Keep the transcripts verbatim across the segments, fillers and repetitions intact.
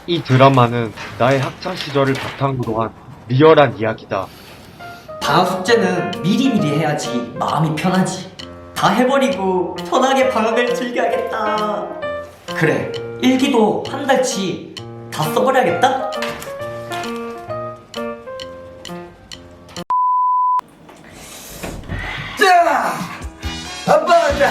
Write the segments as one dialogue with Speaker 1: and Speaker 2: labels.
Speaker 1: 이 드라마는 나의 학창 시절을 바탕으로 한 리얼한 이야기다.
Speaker 2: 방학 숙제는 미리미리 해야지 마음이 편하지. 다 해버리고 편하게 방학을 즐겨야겠다. 그래, 일기도 한 달치 다 써버려야겠다.
Speaker 3: 자, 아빠가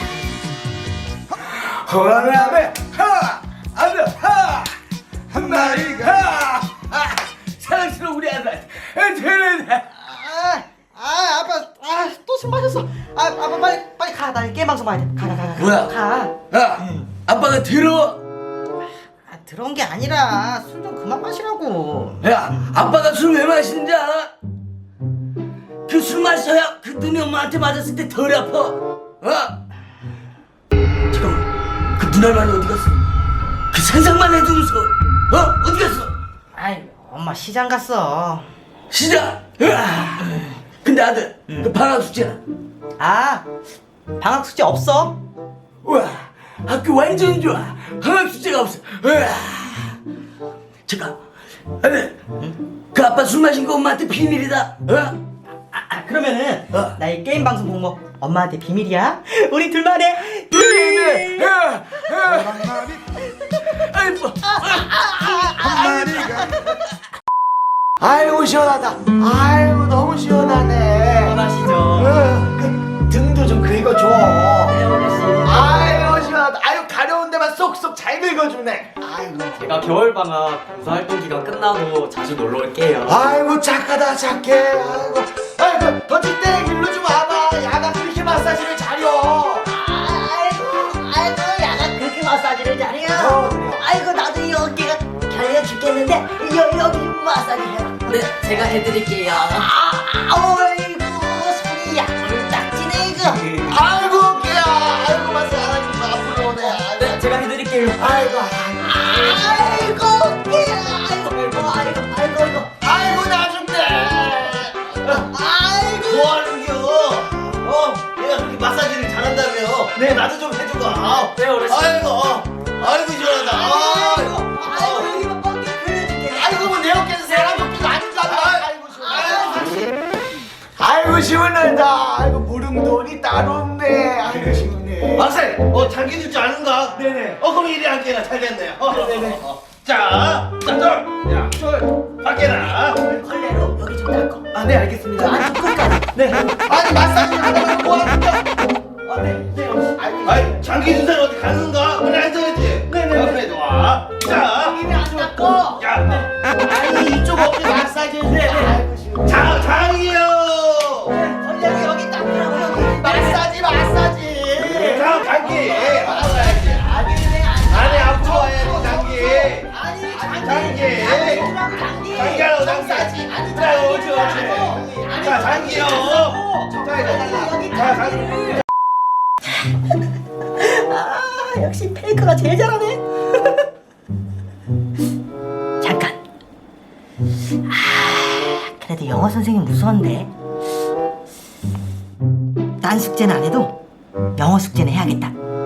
Speaker 3: 호랑이라면 하, 아들 하, 한 마리가 하, 사랑스러운 우리 아들 되는.
Speaker 4: 아, 아, 아빠, 아, 또 술 마셨어. 아, 아빠 빨리, 빨리 가. 나 게임 방송 봐야 돼. 가, 가, 가, 가.
Speaker 3: 뭐야?
Speaker 4: 가.
Speaker 3: 야, 아빠가 들어.
Speaker 4: 아, 들어온 게 아니라 술 좀 그만 마시라고.
Speaker 3: 야, 아빠가 술 왜 마시는지 알아? 그 술 마셔야 그 눈이 엄마한테 맞았을 때 덜 아파. 어? 잠깐만, 그 눈알만이 어디 갔어? 그 상상만 해도 무서워. 어? 어디 갔어?
Speaker 4: 아이, 엄마 시장 갔어.
Speaker 3: 시작. 으아. 근데 아들, 그 방학 숙제는?
Speaker 4: 아, 방학 숙제 없어?
Speaker 3: 우와, 학교 완전 좋아. 방학 숙제가 없어. 우와. 잠깐, 아들, 그 아빠 술 마신 거 엄마한테 비밀이다. 어?
Speaker 4: 아, 아 그러면은
Speaker 3: 어.
Speaker 4: 나 이 게임 방송 보는 거 엄마한테 비밀이야? 우리 둘만의
Speaker 3: 비밀. 야, 야. 아이고,
Speaker 5: 아이고 시원하다. 아이고 너무 시원하네.
Speaker 4: 원하시죠?
Speaker 5: 어, 그 등도 좀 긁어줘.
Speaker 4: 네, 어르신.
Speaker 5: 아이고 시원하다. 아이고 가려운 데만 쏙쏙 잘 긁어주네. 아이고.
Speaker 2: 제가 겨울방학 봉사활동 기간 끝나고 자주 놀러 올게요.
Speaker 5: 아이고 착하다 착해. 아이고. 아이고 더치대 일로 좀 와봐. 야가 그렇게 마사지를 잘려.
Speaker 6: 아이고, 아이고, 야가 그렇게 마사지를 잘해요.
Speaker 5: 어, 그래요.
Speaker 6: 아이고, 나도 이 어깨가 결려 죽겠는데, 여, 여기 마사지 해봐.
Speaker 2: 네, 제가 해드릴게요.
Speaker 6: 아, 어이구, 손이 약간 딱지네, 이거.
Speaker 5: 아이고 어깨야. 아이고 마사지 앞으로 오네. 아이고.
Speaker 2: 네, 제가 해드릴게요.
Speaker 5: 아이고.
Speaker 6: 아이고, 어깨야. 아이고, 아이고, 아이고, 아이고, 아이고.
Speaker 5: 아이고 나 죽네.
Speaker 6: 아이고.
Speaker 5: 뭐하는겨? 어? 얘가 그렇게 마사지를 잘한다며? 네, 나도 좀 해줘봐.
Speaker 2: 네, 어르신.
Speaker 5: 아이고, 어. 아이고 시원하다. 아이고,
Speaker 6: 아이고, 여기 뭐 어깨 걸려줄게.
Speaker 5: 아이고 뭐내 어깨는 사람 어깨가 아니잖아. 아이고 시원하다. 아이고 시원하다. 아이고 무릉돈이 따로 없네. 아이고 시원해.
Speaker 7: 박사님, 어, 장기 줄줄 아는가?
Speaker 5: 네네.
Speaker 7: 어, 그럼 이리 앉게나 잘 됐네요. 어,
Speaker 5: 네네.
Speaker 7: 어, 어. 자, 자, 쫄! 야, 쫄! 밖에나!
Speaker 6: 걸레로 여기 좀 닦아.
Speaker 5: 아, 네 알겠습니다.
Speaker 6: 아, 끝까지.
Speaker 5: 네. 아니 마사지를 하다가 뭐 하는겨? 아, 네. 네. 아이고.
Speaker 7: 아이, 장기 주사는 어디 가는가? 그래, 앉아야지.
Speaker 5: 네네네.
Speaker 7: 옆에 놔. 자,
Speaker 6: 입에 안 닦고.
Speaker 7: 야,
Speaker 5: 아니 이쪽 어깨 마사지 해주네. 아이고 시원해.
Speaker 7: 자, 장이요!
Speaker 6: 걸레로 여기 닦으라고, 여기.
Speaker 5: 마사지 마사지.
Speaker 7: 자, 장기! 알아야지.
Speaker 5: 아니
Speaker 7: 아니, 앞으로 와야지, 장기!
Speaker 6: 아니,
Speaker 7: 장기!
Speaker 6: 장기.
Speaker 7: 장기하라고, 장기!
Speaker 6: 마사지. 아니,
Speaker 7: 그래, 옳지, 옳지. 자, 장기요! 자, 이거. 자, 장기.
Speaker 6: 아, 역시 페이커가 제일 잘하네. 잠깐. 아, 그래도 영어 선생님 무서운데. 딴 숙제는 안 해도 영어 숙제는 해야겠다.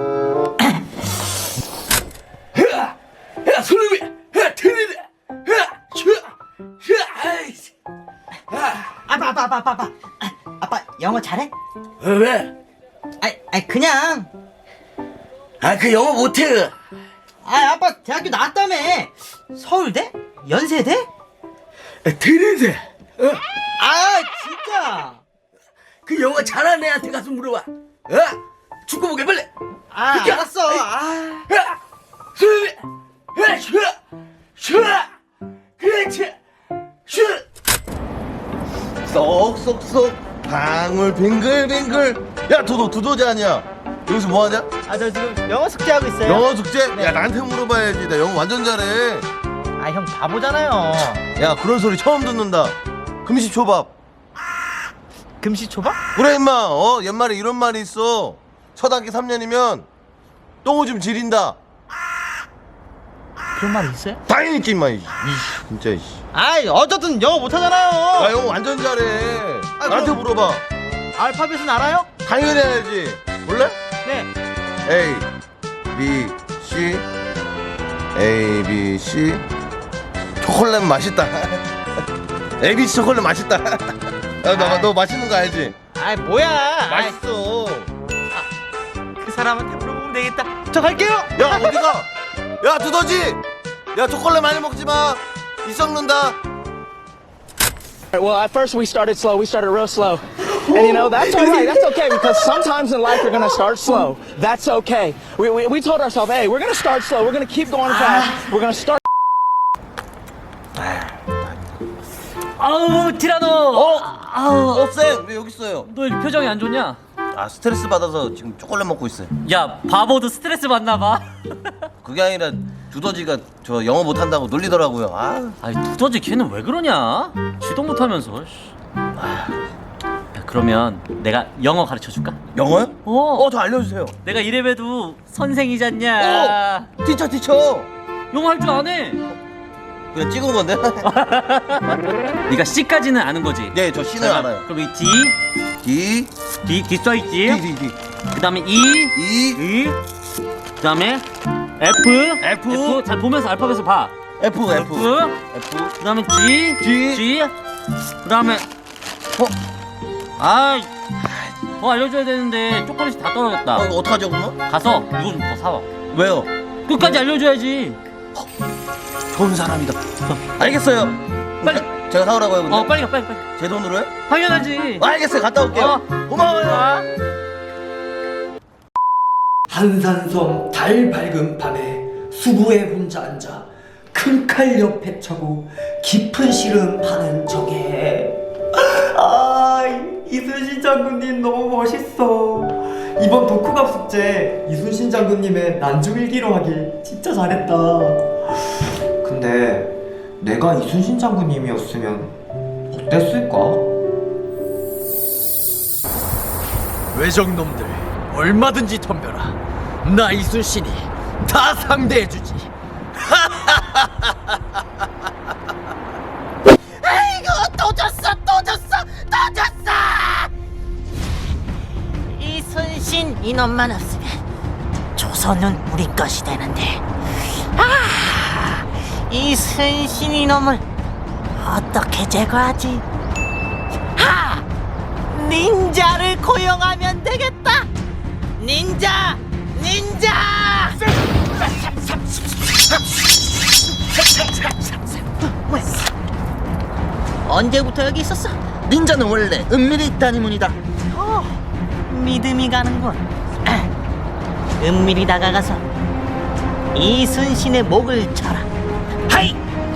Speaker 3: 야, 야, 손을 왜? 야, 들이대. 야, 슈, 슈, 아이씨. 야,
Speaker 4: 아빠, 아빠, 아빠, 아빠, 아빠. 아, 아빠 영어 잘해?
Speaker 3: 어, 왜?
Speaker 4: 아이, 아이 그냥.
Speaker 3: 아, 그 영어 못해.
Speaker 4: 아, 아빠 대학교 나왔다며. 서울대? 연세대?
Speaker 3: 아, 들이대. 어?
Speaker 4: 아, 진짜.
Speaker 3: 그 영어 잘하는 애한테 가서 물어봐. 어? 축구 보게 빨리.
Speaker 4: 아,
Speaker 3: 그게-
Speaker 4: 알았어. 아.
Speaker 3: 야, 손을 왜? 야, 슈, 슈, 그렇지, 슈.
Speaker 8: 쏙쏙쏙 방울 빙글빙글. 야 도도 두더지 아니야? 여기서 뭐하냐?
Speaker 4: 아, 저 지금 영어 숙제하고 있어요.
Speaker 8: 영어 숙제?
Speaker 4: 네.
Speaker 8: 야 나한테 물어봐야지. 나 영어 완전 잘해.
Speaker 4: 아, 형 바보잖아요.
Speaker 8: 야 그런 소리 처음 듣는다. 금시초밥.
Speaker 4: 금시초밥?
Speaker 8: 그래 임마. 어 옛말에 이런 말이 있어. 초등학교 삼 년이면 똥오줌 지린다.
Speaker 4: 그런 말이 있어요?
Speaker 8: 당연히 있지 임마. 이씨 진짜 이씨.
Speaker 4: 아이, 어쨌든 영어 못하잖아요.
Speaker 8: 나 영어 완전 잘해.
Speaker 4: 아,
Speaker 8: 나한테
Speaker 4: 그럼-
Speaker 8: 물어봐.
Speaker 4: 알파벳은 알아요?
Speaker 8: 당연히 해야지. 몰래?
Speaker 4: 네.
Speaker 8: A, B, C, A, B, C. 초콜릿 맛있다. A, B, C 초콜릿 맛있다. 야, 너, 너 맛있는 거 알지?
Speaker 4: 아이 뭐야?
Speaker 8: 맛있어.
Speaker 4: 그 사람한테 물어보면 되겠다. 저 갈게요.
Speaker 8: 야, 어디가? 야, 두더지. 야, 초콜릿 많이 먹지 마. 이 썩는다.
Speaker 9: Well, at first we started slow. We started real slow. And you know, that's all right. That's okay because sometimes in life you're going to start slow. That's okay. We, we, we told ourselves, hey, we're going to start slow. We're going to keep going fast. We're going to start.
Speaker 2: 아우 티라노.
Speaker 8: 어?
Speaker 2: 아우
Speaker 8: 어, 쌤, 왜 여기 있어요?
Speaker 2: 너 이렇게 표정이 안 좋냐?
Speaker 8: 아, 스트레스 받아서 지금 초콜릿 먹고 있어요.
Speaker 2: 야 바보도 스트레스 받나 봐.
Speaker 8: 그게 아니라 두더지가 저 영어 못한다고 놀리더라고요. 아,
Speaker 2: 아이 두더지 걔는 왜 그러냐? 지도 못하면서. 씨. 아, 야, 그러면 내가 영어 가르쳐 줄까?
Speaker 8: 영어요?
Speaker 2: 어.
Speaker 8: 어, 저 알려주세요.
Speaker 2: 내가 이래봬도 선생이잖냐.
Speaker 8: 어, 티처, 티처.
Speaker 2: 영어 할 줄 아네.
Speaker 8: 그냥 찍은 건데?
Speaker 2: 네가 C까지는 아는 거지?
Speaker 8: 네, 저 C는 알아요.
Speaker 2: 그럼 이 D,
Speaker 8: D,
Speaker 2: D, D 써있지?
Speaker 8: D, D, D.
Speaker 2: 그 다음에 E,
Speaker 8: E,
Speaker 2: E, 그 다음에 F,
Speaker 8: F.
Speaker 2: F, 잘 보면서 알파벳을 봐.
Speaker 8: F, F,
Speaker 2: F,
Speaker 8: F.
Speaker 2: 그 다음에 G,
Speaker 8: G.
Speaker 2: G, 그 다음에 어? 아이, 더 알려줘야 되는데 초콜릿이 다 떨어졌다.
Speaker 8: 어, 이거 어떡하죠, 그러면?
Speaker 2: 가서 이거 좀 더 사와.
Speaker 8: 왜요?
Speaker 2: 끝까지 알려줘야지.
Speaker 8: 좋은 사람이다. 알겠어요.
Speaker 2: 빨리.
Speaker 8: 제가 사오라고요, 근데?
Speaker 2: 어, 빨리 가, 빨리, 빨리.
Speaker 8: 제 돈으로요?
Speaker 2: 당연하지.
Speaker 8: 아, 알겠어요. 갔다 올게요.
Speaker 2: 어.
Speaker 8: 고마워요.
Speaker 2: 아.
Speaker 3: 한산섬 달 밝은 밤에 수부에 혼자 앉아 큰 칼 옆에 차고 깊은 시름 하는 적에 아 이순신 장군님 너무 멋있어. 이번 독후갑 숙제 이순신 장군님의 난중일기로 하길 진짜 잘했다. 근데 내가 이순신 장군님이었으면 어땠을까?
Speaker 10: 외적놈들 얼마든지 덤벼라. 나 이순신이 다 상대해주지.
Speaker 6: 아이고 또 졌어 또 졌어 또 졌어. 이순신 이놈만 없으면 조선은 우리 것이 되는데 아 이순신 이놈을 어떻게 제거하지? 하! 닌자를 고용하면 되겠다. 닌자 닌자. 언제부터 여기 있었어? 닌자는 원래 은밀히 있다는 문이다. 어, 믿음이 가는군. 은밀히 다가가서 이순신의 목을 쳐라. 하이!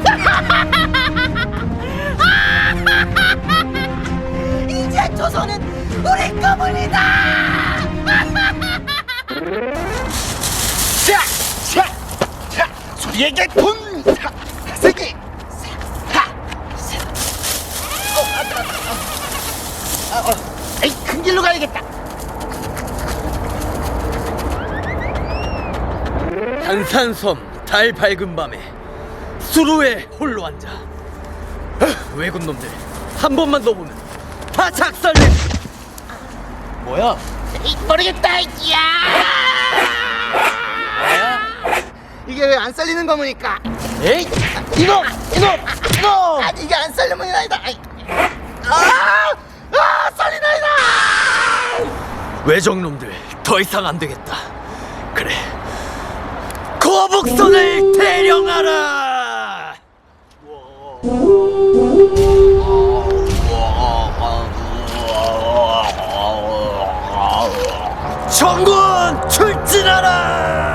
Speaker 6: 이제 조선은 우리 거물이다.
Speaker 5: 자, 자, 자, 소리에게 돈, 사, 세기, 사, 사. 어, 아, 아, 아, 어, 에이, 큰 길로 가야겠다.
Speaker 10: 한산섬 달 밝은 밤에 수루에 홀로 앉아. 아, 외국 놈들 한 번만 더 보면 다 작살내. 뭐야?
Speaker 6: 에이, 모르겠다. 야!
Speaker 5: 이게 왜 안 살리는 거무니까?
Speaker 10: 에이,
Speaker 5: 이놈, 이놈, 이놈! 아니 이게 안 살리는 건 아니다. 아이. 아, 아, 살리나이다!
Speaker 10: 외적놈들 더 이상 안 되겠다. 그래, 거북선을 대령하라. 정군 출진하라.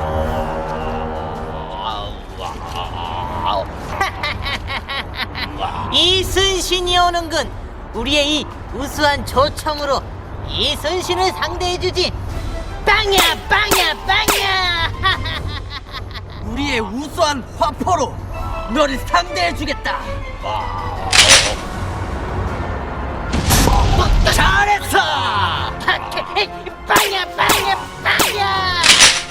Speaker 6: 이순신이 오는군. 우리의 이 우수한 조청으로 이순신을 상대해주지. 빵야 빵야 빵야.
Speaker 10: 우리의 우수한 화포로 너를 상대해주겠다. 잘했어.
Speaker 6: 빵야 빵야 빵야.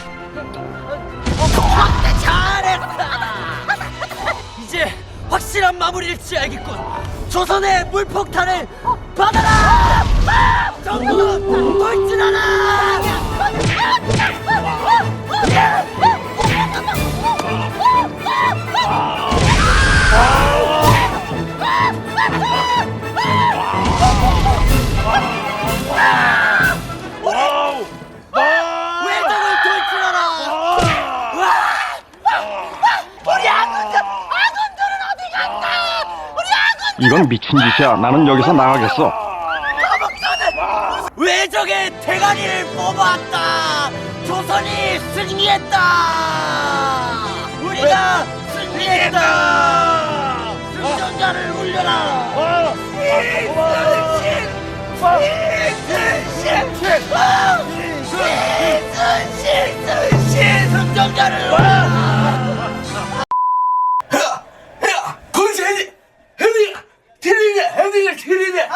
Speaker 10: 잘했어. 이제 확실한 마무리를 지어야겠군. 조선의 물폭탄을 받아라. 정군 돌진하라. 왜 저걸 돌출하라? 우리 아군들, 아군들은 어디 갔나? 우리 아군
Speaker 11: 이건 미친 짓이야. 나는 여기서 나가겠어.
Speaker 10: 왜 저게 대가리를 뽑았다? 조선이 승리했다. 우리가 승리했다. 승전자를 울려라. 이순신, 이순신, 이순신, 승전자를 울려라.
Speaker 5: 거기서 헤딩 헤딩 틀리네 헤딩을 틀리네.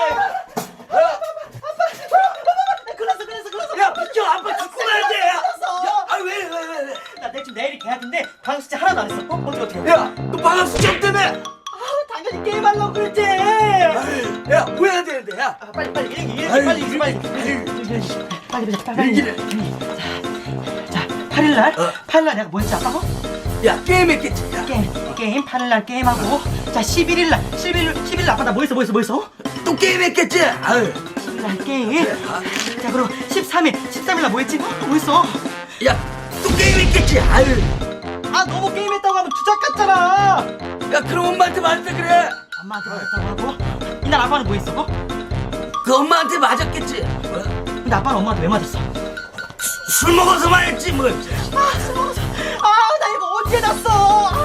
Speaker 4: 끝났어 끝났어 끝났어.
Speaker 5: 야 저 아빠 죽고 가야 돼.
Speaker 4: 끝났어.
Speaker 5: 아왜왜 왜 왜?
Speaker 4: 나 내일 내일이 계약인데 방학 숙제 하나도 안 했어. 어? 어떻게 어떻게?
Speaker 5: 야너 방학 수업 때문에.
Speaker 4: 아 당연히 게임하려고 그랬지.
Speaker 5: 야 뭐 해야 되는데 야.
Speaker 4: 아, 빨리 빨리 일기 일기 빨리 일기 빨리 빨리 보자 빨리 빨리.
Speaker 5: 일기를.
Speaker 4: 자 팔일날 팔일날 내가 뭐 했지 아까? 어?
Speaker 5: 야 게임했겠지. 야.
Speaker 4: 게임 게임 팔일날 게임하고 자 십일일날 십일 십일날 아빠 나 뭐 했어 뭐 했어 뭐 했어?
Speaker 5: 또 게임했겠지. 아유.
Speaker 4: 십일날 게임. 자 그럼 십삼일 십삼일날 뭐 했지? 어? 뭐 했어?
Speaker 5: 야또 게임했겠지. 아유.
Speaker 4: 아 너무 게임했다고 하면 주작 같잖아.
Speaker 5: 야 그럼 엄마한테 말했다 그래.
Speaker 4: 엄마한테 말했다고 하고 이날 아빠는 뭐 했어? 어?
Speaker 5: 그 엄마한테 맞았겠지. 어?
Speaker 4: 근데 아빠는 엄마한테 왜 맞았어?
Speaker 5: 술 먹어서 말했지 뭐.
Speaker 4: 아, 술 먹어서. 아, 나 이거 언제 났어?